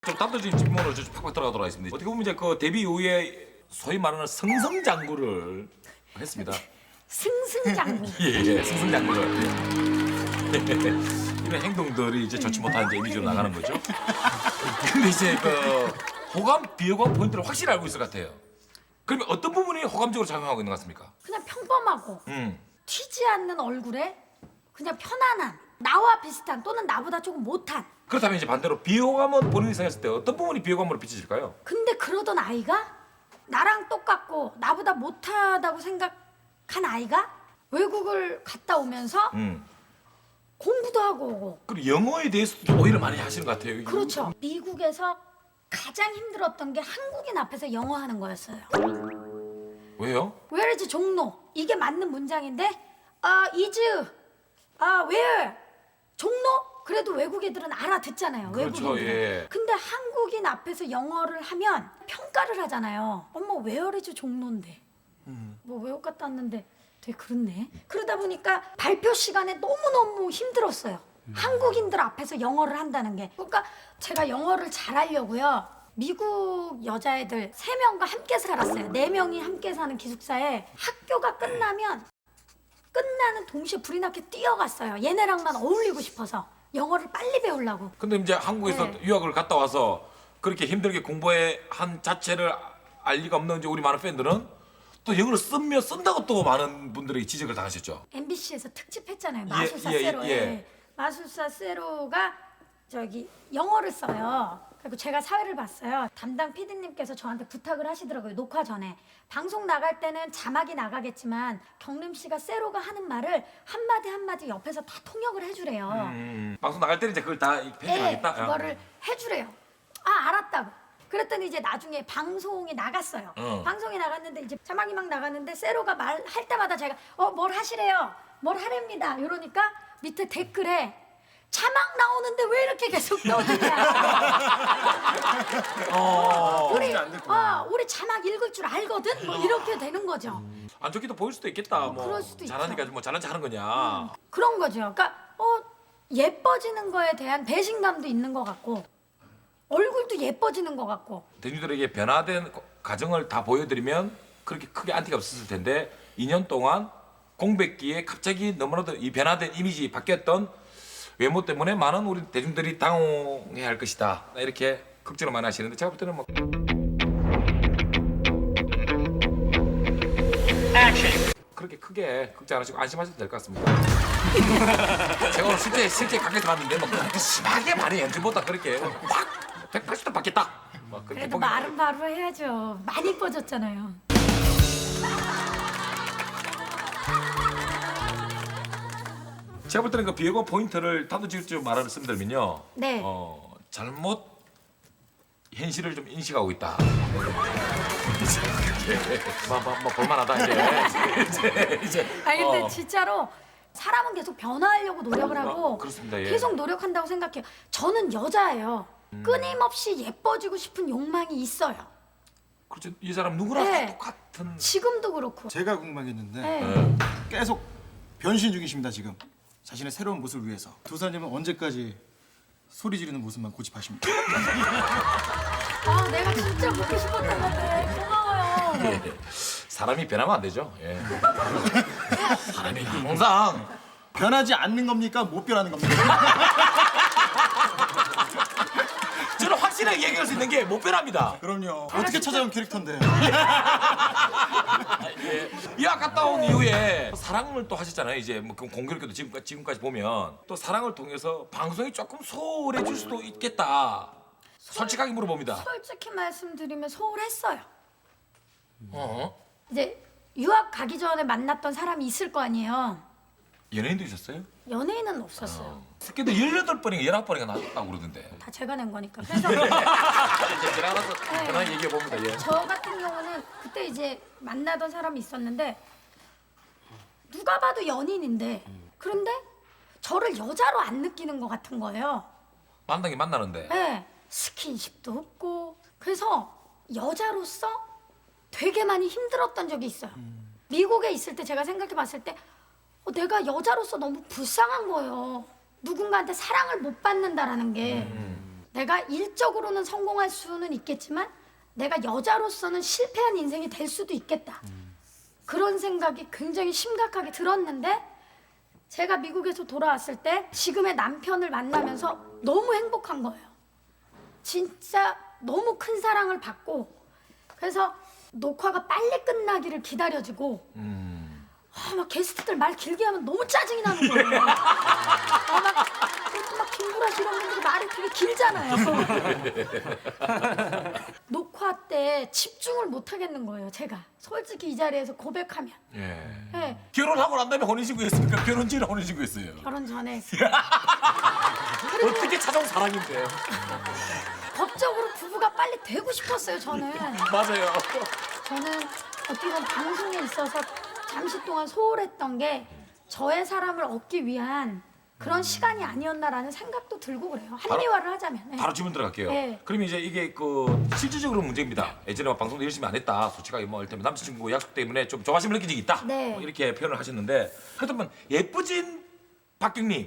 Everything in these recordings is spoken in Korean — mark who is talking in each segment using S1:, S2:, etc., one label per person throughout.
S1: 좀 단도직입 질문으로 좀 팍팍 들어가도록 하겠습니다. 어떻게 보면 이제 그 데뷔 이후에 소위 말하는 승승장구를 했습니다.
S2: 승승장구.
S1: 예, 승승장구를. 예. 이런 행동들이 이제 좋지 못한 이제 이미지로 나가는 거죠. 근데 이제 그 호감, 비호감 포인트를 확실히 알고 있을 것 같아요. 그러면 어떤 부분이 호감적으로 작용하고 있는 것 같습니까?
S2: 그냥 평범하고
S1: 음.
S2: 튀지 않는 얼굴에 그냥 편안한 나와 비슷한 또는 나보다 조금 못한.
S1: 그렇다면 이제 반대로 비호감은 본인이 생각했을 때 어떤 부분이 비호감으로 비춰질까요?
S2: 근데 그러던 아이가 나랑 똑같고 나보다 못하다고 생각한 아이가 외국을 갔다 오면서 공부도 하고 오고.
S1: 그리고 영어에 대해서도 좀 오히려 많이 하시는 것 같아요.
S2: 그렇죠. 미국에서 가장 힘들었던 게 한국인 앞에서 영어 하는 거였어요.
S1: 왜요?
S2: Where is 종로? 이게 맞는 문장인데 is where? 종로? 그래도 외국 애들은 알아듣잖아요.
S1: 그렇죠,
S2: 외국인들은.
S1: 예.
S2: 근데 한국인 앞에서 영어를 하면 평가를 하잖아요. 어머 where is 종로인데. 뭐 외국 갔다 왔는데 되게 그렇네. 그러다 보니까 발표 시간에 너무너무 힘들었어요. 한국인들 앞에서 영어를 한다는 게. 그러니까 제가 영어를 잘하려고요. 미국 여자애들 3명과 함께 살았어요. 4명이 함께 사는 기숙사에 학교가 끝나는 동시에 불이 나게 뛰어갔어요. 얘네랑만 어울리고 싶어서 영어를 빨리 배우려고.
S1: 근데 이제 한국에서
S2: 네.
S1: 유학을 갔다 와서 그렇게 힘들게 공부해 한 자체를 알 리가 없는 이제 우리 많은 팬들은 또 영어를 쓴다고 또 많은 분들에게 지적을 당하셨죠.
S2: MBC에서 특집했잖아요.
S1: 예,
S2: 마술사
S1: 예,
S2: 세로에.
S1: 예.
S2: 마술사 세로가 저기 영어를 써요. 그리고 제가 사회를 봤어요. 담당 PD님께서 저한테 부탁을 하시더라고요. 녹화 전에. 방송 나갈 때는 자막이 나가겠지만 경림 씨가 세로가 하는 말을 한마디 한마디 옆에서 다 통역을 해주래요.
S1: 방송 나갈 때는 이제 그걸 다
S2: 네,
S1: 편집하겠다.
S2: 그거를 해주래요. 알았다고. 그랬더니 이제 나중에 방송이 나갔어요. 방송이 나갔는데 이제 자막이 막 나갔는데 세로가 말할 때마다 제가 뭘 하시래요? 뭘 하랍니다. 이러니까 밑에 댓글에 자막 나오는데 왜 이렇게 계속 넣느냐. 우리 자막 읽을 줄 알거든. 뭐 이렇게 되는 거죠.
S1: 안 좋게도 보일 수도 있겠다. 뭐
S2: 그럴 수도
S1: 잘하니까
S2: 있죠.
S1: 뭐 잘난 척 하는 거냐.
S2: 그런 거죠. 그러니까 예뻐지는 거에 대한 배신감도 있는 것 같고 얼굴도 예뻐지는 것 같고.
S1: 대중들에게 변화된 과정을 다 보여드리면 그렇게 크게 안티가 없었을 텐데 2년 동안 공백기에 갑자기 너무나도 이 변화된 이미지 바뀌었던 외모 때문에 많은 우리 대중들이 당황해야 할 것이다. 이렇게 걱정을 많이 하시는데 제가 볼 때는 뭐 그렇게 크게 걱정 안 하시고 안심하셔도 될 것 같습니다. 제가 오늘 실제 가게에서 봤는데 뭐 그렇게 심하게 많이 연주보다 그렇게 막 180도 바뀌었다. 막 그렇게
S2: 그래도 말은 바로 해야죠. 많이 이뻐졌잖아요.
S1: 제가 볼 때는 그 비호감 포인트를 단도직입적으로 말씀드리면요.
S2: 네.
S1: 잘못 현실을 좀 인식하고 있다. 뭐 볼만하다 이제.
S2: 아니 근데 진짜로 사람은 계속 변화하려고 노력을 하고
S1: 그렇습니다, 예.
S2: 계속 노력한다고 생각해요. 저는 여자예요. 끊임없이 예뻐지고 싶은 욕망이 있어요.
S1: 그렇죠. 이 사람 누구나
S2: 네.
S1: 다 똑같은.
S2: 지금도 그렇고.
S3: 제가 궁금한 게 있는데
S2: 네.
S3: 계속 변신 중이십니다 지금. 자신의 새로운 모습을 위해서. 두 사람은 언제까지 소리 지르는 모습만 고집하십니까?
S2: 내가 진짜 보고 싶었던 건데 고마워요.
S1: 예. 사람이 변하면 안 되죠. 예. 사람이 항상
S3: 변하지 않는 겁니까? 못 변하는 겁니까?
S1: 저는 확실하게 얘기할 수 있는 게 못 변합니다.
S3: 그럼요. 어떻게 찾아온 캐릭터인데?
S1: 유학 갔다 온 이후에 사랑을 또 하셨잖아요. 이제 뭐 공교롭게도 지금까지 보면 또 사랑을 통해서 방송이 조금 소홀해질 수도 있겠다. 솔직하게 물어봅니다.
S2: 솔직히 말씀드리면 소홀했어요.
S1: 어?
S2: 이제 유학 가기 전에 만났던 사람이 있을 거 아니에요.
S1: 연예인도 있었어요?
S2: 연예인은 없었어요.
S1: 스케도 18번인가 19번인가 나왔다고 그러던데.
S2: 다 제가 낸 거니까. 그래서
S1: 이제 지나가서 그냥 얘기해 봅니다. 예.
S2: 저 같은 경우는 그때 이제 만나던 사람이 있었는데 누가 봐도 연인인데 그런데 저를 여자로 안 느끼는 것 같은 거예요.
S1: 만나긴 만나는데.
S2: 네, 스킨십도 없고 그래서 여자로서 되게 많이 힘들었던 적이 있어요. 미국에 있을 때 제가 생각해 봤을 때 내가 여자로서 너무 불쌍한 거예요. 누군가한테 사랑을 못 받는다라는 게 내가 일적으로는 성공할 수는 있겠지만 내가 여자로서는 실패한 인생이 될 수도 있겠다. 그런 생각이 굉장히 심각하게 들었는데 제가 미국에서 돌아왔을 때 지금의 남편을 만나면서 너무 행복한 거예요. 진짜 너무 큰 사랑을 받고 그래서 녹화가 빨리 끝나기를 기다려지고 막 게스트들 말 길게 하면 너무 짜증이 나는 거예요. 막 김구라 씨 이런 분들이 말이 되게 길잖아요. 녹화 때 집중을 못 하겠는 거예요. 제가 솔직히 이 자리에서 고백하면. 네,
S1: 결혼하고 난 다음에 혼인신고했습니까? 결혼 전에 혼인신고했어요.
S2: 결혼 전에 했어요.
S1: 어떻게 찾아온 사랑인데?
S2: 법적으로 부부가 빨리 되고 싶었어요. 저는.
S1: 맞아요.
S2: 저는 어떻게 보면 방송에 있어서 잠시 동안 소홀했던 게 저의 사람을 얻기 위한 그런 시간이 아니었나라는 생각도 들고 그래요. 합리화를 하자면. 네.
S1: 바로 질문 들어갈게요.
S2: 네.
S1: 그럼 이제 이게 그 실질적으로 문제입니다. 예전에 막 방송도 열심히 안 했다. 솔직하게 뭐 이를테면 남자친구 약속 때문에 좀 조바심을 느낀 적이 있다.
S2: 네.
S1: 뭐 이렇게 표현을 하셨는데 그렇다면 예쁘진 박경님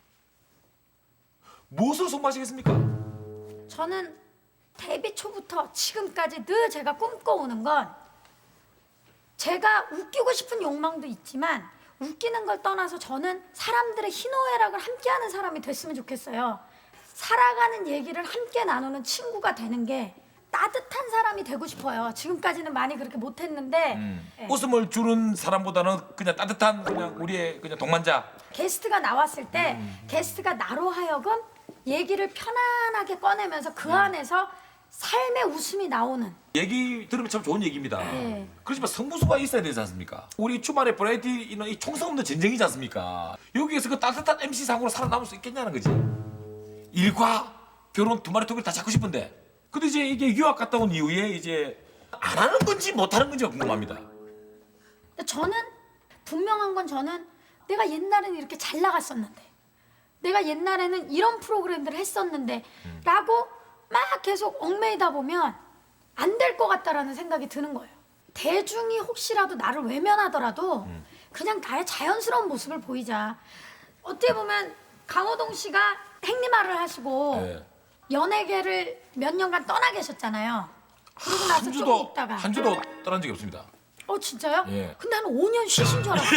S1: 무엇을 손마시겠습니까?
S2: 저는 데뷔 초부터 지금까지 늘 제가 꿈꿔오는 건 제가 웃기고 싶은 욕망도 있지만 웃기는 걸 떠나서 저는 사람들의 희노애락을 함께하는 사람이 됐으면 좋겠어요. 살아가는 얘기를 함께 나누는 친구가 되는 게 따뜻한 사람이 되고 싶어요. 지금까지는 많이 그렇게 못했는데 예.
S1: 웃음을 주는 사람보다는 그냥 따뜻한 그냥 우리의 그냥 동반자.
S2: 게스트가 나왔을 때 게스트가 나로 하여금 얘기를 편안하게 꺼내면서 그 안에서 삶의 웃음이 나오는
S1: 얘기 들으면 참 좋은 얘기입니다.
S2: 네.
S1: 그렇지만 성부수가 있어야 되지 않습니까? 우리 주말에 브라이어티는 이 총성 없는 전쟁이지 않습니까? 여기에서 그 따뜻한 MC 상으로 살아남을 수 있겠냐는 거지. 일과 결혼 두 마리 토끼를 다 잡고 싶은데. 근데 이제 이게 유학 갔다 온 이후에 이제 안 하는 건지 못 하는 건지가 궁금합니다.
S2: 근데 저는 분명한 건 저는 내가 옛날에는 이렇게 잘 나갔었는데 내가 옛날에는 이런 프로그램들을 했었는데 라고 막 계속 얽매이다 보면 안 될 것 같다라는 생각이 드는 거예요. 대중이 혹시라도 나를 외면하더라도 그냥 나의 자연스러운 모습을 보이자. 어떻게 보면 강호동 씨가 행리마를 하시고
S1: 네.
S2: 연예계를 몇 년간 떠나 계셨잖아요. 그러고 나서 좀 있다가
S1: 한 주도 떠난 적이 없습니다.
S2: 진짜요?
S1: 예.
S2: 근데 한 5년 쉬신 줄 알았어요.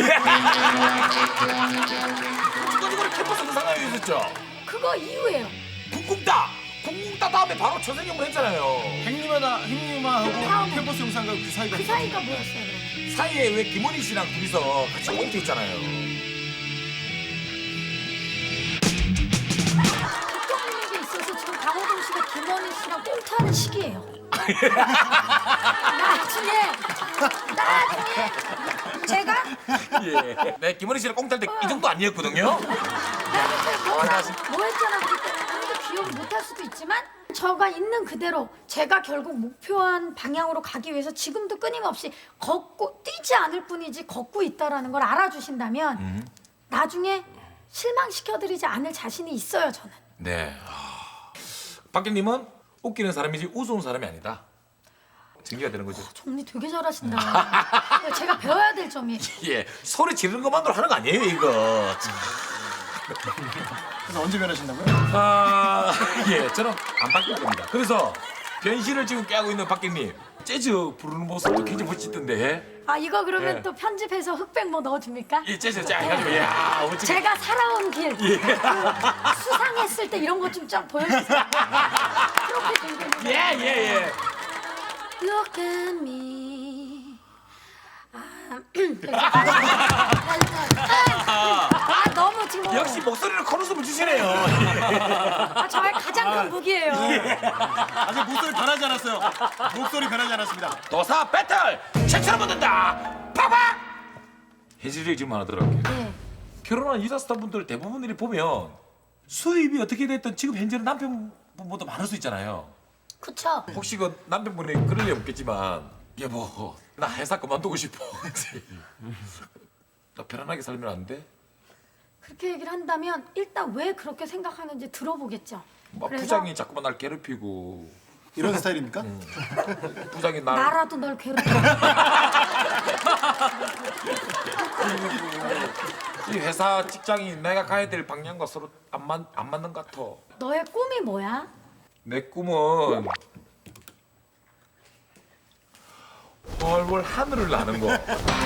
S1: 주도 이거를 캠퍼스 그 상황이 있었죠.
S2: 그거 이후에요.
S1: 쿵쿵따 다음에 바로 초생형을 했잖아요.
S3: 행님하고
S2: 다음에.
S3: 캠퍼스 영상과 그 사이가
S2: 그 사이가 뭐였어요, 그러면?
S1: 사이에 왜 김원희 씨랑 둘이서 같이 꽁트 했잖아요.
S2: 국경민에게 있어서 지금 강호동 씨가 김원희 씨랑 꽁트하는 시기예요. 나중에 제가
S1: 예. 네, 김원희 씨랑 꽁트할 때 이 정도 아니었거든요.
S2: 뭐 했잖아 그때 아무도 기억을 못할 수도 있지만 저가 있는 그대로 제가 결국 목표한 방향으로 가기 위해서 지금도 끊임없이 걷고 뛰지 않을 뿐이지 걷고 있다라는 걸 알아주신다면 나중에 실망시켜드리지 않을 자신이 있어요 저는.
S1: 네. 박경님은 웃기는 사람이지 우스운 사람이 아니다. 증기가 되는 거죠.
S2: 정리 되게 잘하신다. 제가 배워야 될 점이.
S1: 예, 소리 지르는 것만으로 하는 거 아니에요 이거.
S3: 그래서 언제 변하신다고요?
S1: 예, 저는 안 바뀔 겁니다. 그래서 변신을 지금 깨고 있는 박경님 재즈 부르는 모습도 굉장히 멋지던데.
S2: 이거 그러면
S1: 예.
S2: 또 편집해서 흑백 뭐 넣어줍니까?
S1: 이 재즈 쫙 해가지고 야 멋지게.
S2: 제가 살아온 길 그 수상했을 때 이런 거 좀 쫙 보여주세요. 그렇게
S1: 예.
S2: Look at me. 너무 지금
S1: 역시 목소리를 커놓으면 주시네요.
S2: 저의 가장 큰 무기예요.
S3: 아직 목소리 변하지 않았어요. 목소리 변하지 않았습니다.
S1: 도사 배틀 최초로 붙는다. 팍팍. 현실적인 질문 하나 들어갈게요.
S2: 네.
S1: 결혼한 이사스타 분들 대부분들이 보면 수입이 어떻게 됐든 지금 현재는 남편분보다 많을 수 있잖아요.
S2: 그쵸?
S1: 혹시 그 남편분이 그럴 리 없겠지만 여보 나 회사 그만두고 싶어. 나 편안하게 살면 안 돼?
S2: 그렇게 얘기를 한다면 일단 왜 그렇게 생각하는지 들어보겠죠.
S1: 막
S2: 그래서
S1: 부장이 자꾸만 날 괴롭히고
S3: 이런 스타일입니까?
S1: 부장이 날
S2: 나라도 널 괴롭혀.
S1: 이 회사 직장이 내가 가야 될 방향과 서로 안 맞는 것 같아.
S2: 너의 꿈이 뭐야?
S1: 내 꿈은 월월 하늘을 나는 거.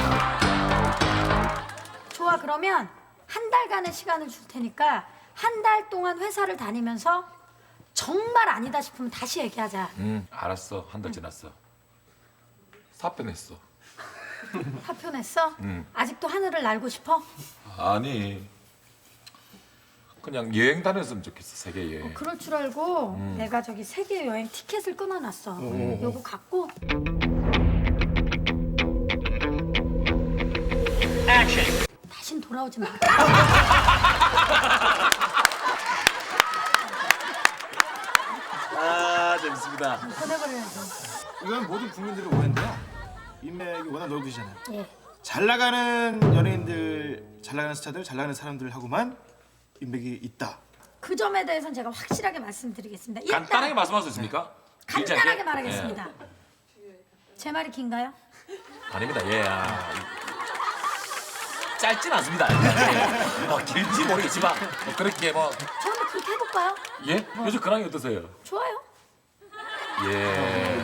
S2: 좋아, 그러면 한 달간의 시간을 줄 테니까 한 달 동안 회사를 다니면서 정말 아니다 싶으면 다시 얘기하자.
S1: 알았어. 한 달 지났어. 사표 냈어.
S2: 사표 냈어? 아직도 하늘을 날고 싶어?
S1: 아니. 그냥 여행 다녔으면 좋겠어. 세계 여행.
S2: 그럴 줄 알고 내가 저기 세계 여행 티켓을 끊어놨어. 요거 갖고 다신 돌아오지 마.
S1: 아 재밌습니다.
S2: 보내버려야지.
S3: 이건 모든 국민들의 오해인데요. 인맥이 워낙 넓으시잖아요.
S2: 예.
S3: 잘 나가는 연예인들, 잘 나가는 스타들, 잘 나가는 사람들하고만 인맥이 있다.
S2: 그 점에 대해서는 제가 확실하게 말씀드리겠습니다. 일단
S1: 간단하게 말씀할 수 있습니까? 길지 않게?
S2: 간단하게 말하겠습니다. 제 말이 긴가요?
S1: 아닙니다. 예. 짧진 않습니다. 예. 길지 모르겠지만 그렇게 뭐
S2: 저는 그렇게 해볼까요?
S1: 예? 요즘 근황이 어떠세요?
S2: 좋아요.
S1: 예.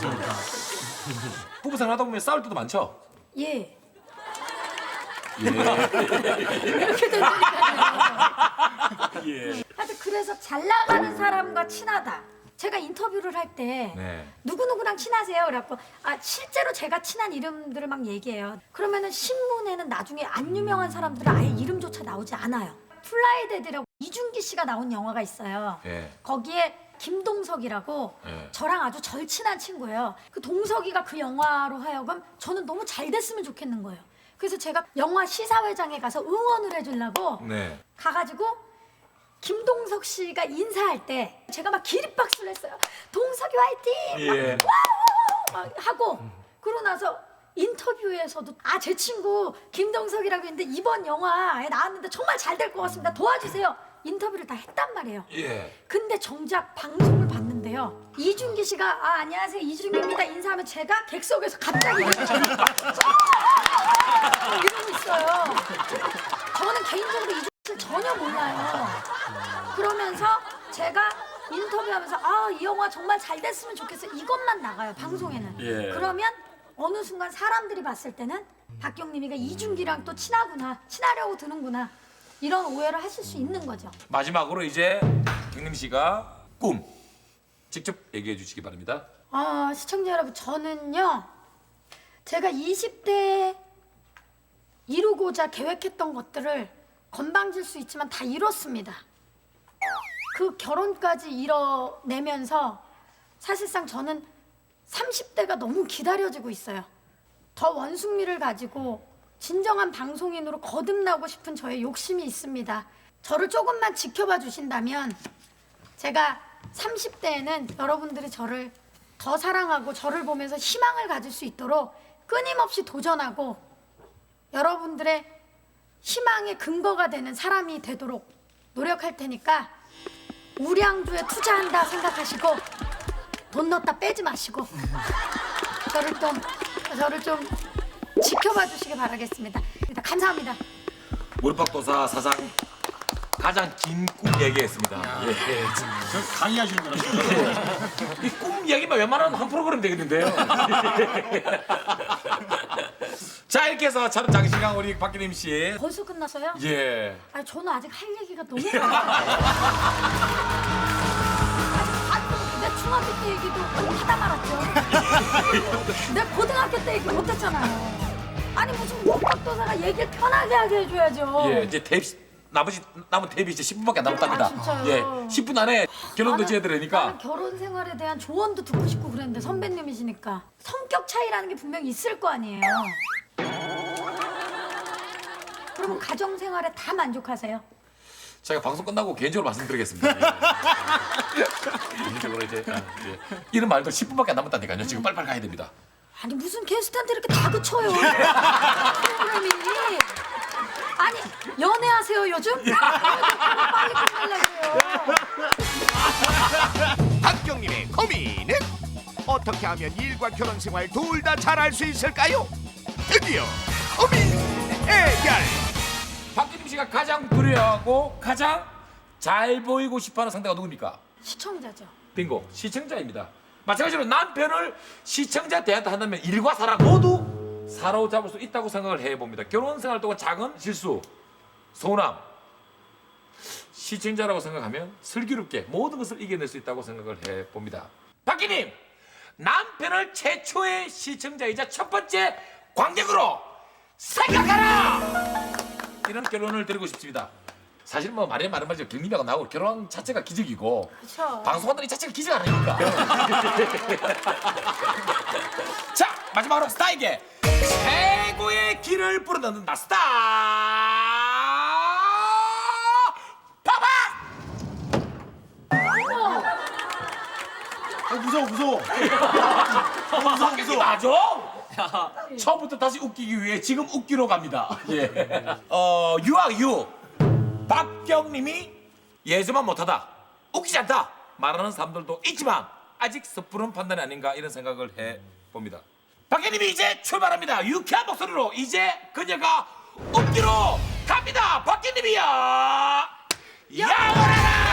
S1: 부부 생활하다 보면 싸울 때도 많죠?
S2: 예.
S1: 예.
S2: 이렇게 된다니까요.
S1: 예.
S2: 하여튼 그래서 잘 나가는 사람과 친하다. 제가 인터뷰를 할 때
S1: 네.
S2: 누구누구랑 친하세요? 그래갖고 실제로 제가 친한 이름들을 막 얘기해요. 그러면은 신문에는 나중에 안 유명한 사람들은 아예 이름조차 나오지 않아요. 플라이데드라고 이준기 씨가 나온 영화가 있어요.
S1: 예.
S2: 거기에 김동석이라고
S1: 예.
S2: 저랑 아주 절친한 친구예요. 그 동석이가 그 영화로 하여금 저는 너무 잘 됐으면 좋겠는 거예요. 그래서 제가 영화 시사회장에 가서 응원을 해주려고
S1: 네.
S2: 가가지고 김동석 씨가 인사할 때 제가 막 기립박수를 했어요. 동석이 화이팅!
S1: 예.
S2: 막 하고 그러고 나서 인터뷰에서도 제 친구 김동석이라고 했는데 이번 영화에 나왔는데 정말 잘 될 것 같습니다. 도와주세요. 인터뷰를 다 했단 말이에요.
S1: 예.
S2: 근데 정작 방송을 봤는데요. 이준기 씨가 안녕하세요 이준기입니다 인사하면 제가 객석에서 갑자기 이러고 있어요. 저는 개인적으로 이준기 씨를 전혀 몰라요. 그러면서 제가 인터뷰하면서 이 영화 정말 잘 됐으면 좋겠어요. 이것만 나가요 방송에는.
S1: 예.
S2: 그러면 어느 순간 사람들이 봤을 때는 박경림이가 이준기랑 또 친하구나, 친하려고 드는구나 이런 오해를 하실 수 있는 거죠.
S1: 마지막으로 이제 경림 씨가 꿈 직접 얘기해 주시기 바랍니다.
S2: 시청자 여러분, 저는요 제가 20대에 이루고자 계획했던 것들을 건방질 수 있지만 다 이뤘습니다. 그 결혼까지 이뤄내면서 사실상 저는 30대가 너무 기다려지고 있어요. 더 원숭미를 가지고 진정한 방송인으로 거듭나고 싶은 저의 욕심이 있습니다. 저를 조금만 지켜봐 주신다면 제가 30대에는 여러분들이 저를 더 사랑하고 저를 보면서 희망을 가질 수 있도록 끊임없이 도전하고 여러분들의 희망의 근거가 되는 사람이 되도록 노력할 테니까 우량주에 투자한다 생각하시고 돈 넣었다 빼지 마시고 저를 좀 지켜봐 주시기 바라겠습니다. 일단 감사합니다.
S1: 몰팍도사 사상 가장 긴 꿈 얘기했습니다. 예.
S3: 저 강의하시는 거라서.
S1: 이 꿈 얘기만 웬만하면 한 프로그램 되겠는데요. 자 이렇게 해서 촬영 장시간 우리 박기림 씨.
S2: 벌써 끝났어요?
S1: 예.
S2: 저는 아직 할 얘기가 너무 많아요. 내 중학교 때 얘기도 하다 말았죠. 내 고등학교 때 얘기 못했잖아요. 아니 무슨 목박도사가 얘기를 편하게 하게 해줘야죠.
S1: 예. 이제 남은 데뷔 이제 10분밖에 안 남았답니다.
S2: 진짜요?
S1: 예. 10분 안에 결혼도 지어야 되니까.
S2: 나는 결혼 생활에 대한 조언도 듣고 싶고 그랬는데 선배님이시니까 성격 차이라는 게 분명히 있을 거 아니에요. 그러면 가정 생활에 다 만족하세요?
S1: 제가 방송 끝나고 개인적으로 말씀드리겠습니다. 개인적으로 이제 이런 말도 10분밖에 안 남았다니까요. 지금 빨리빨리 가야 됩니다.
S2: 아니 무슨 게스트한테 이렇게 다그쳐요. 프로그램이. 아니 연애하세요 요즘? 빨리 끝내려고요.
S4: 박경림의 고민은 어떻게 하면 일과 결혼 생활 둘 다 잘할 수 있을까요? 드디어 고민 해결.
S1: 박기림 씨가 가장 두려워하고 가장 잘 보이고 싶어하는 상대가 누굽니까?
S2: 시청자죠.
S1: 빙고. 시청자입니다. 마찬가지로 남편을 시청자 대한테 한다면 일과 사랑 모두 사로잡을 수 있다고 생각을 해봅니다. 결혼 생활 동안 작은 실수, 서운함, 시청자라고 생각하면 슬기롭게 모든 것을 이겨낼 수 있다고 생각을 해봅니다. 박기님, 남편을 최초의 시청자이자 첫 번째 관객으로 생각하라! 이런 결론을 드리고 싶습니다. 사실 뭐 말이 많은 말이죠. 경림이하고 나하고 결혼 자체가 기적이고
S2: 그쵸.
S1: 방송한다는 이 자체가 기적 아닙니까? 자, 마지막으로 스타에게 최고의 길을 불어넣는다. 스타
S3: 무서워.
S1: 웃기기 맞아? 처음부터 다시 웃기기 위해 지금 웃기로 갑니다. 예. 유아유 박경님이 예전만 못하다, 웃기지 않다 말하는 사람들도 있지만 아직 섣부른 판단이 아닌가 이런 생각을 해봅니다. 박경님이 이제 출발합니다. 유쾌한 목소리로 이제 그녀가 웃기로 갑니다. 박경님이야, 야오라라.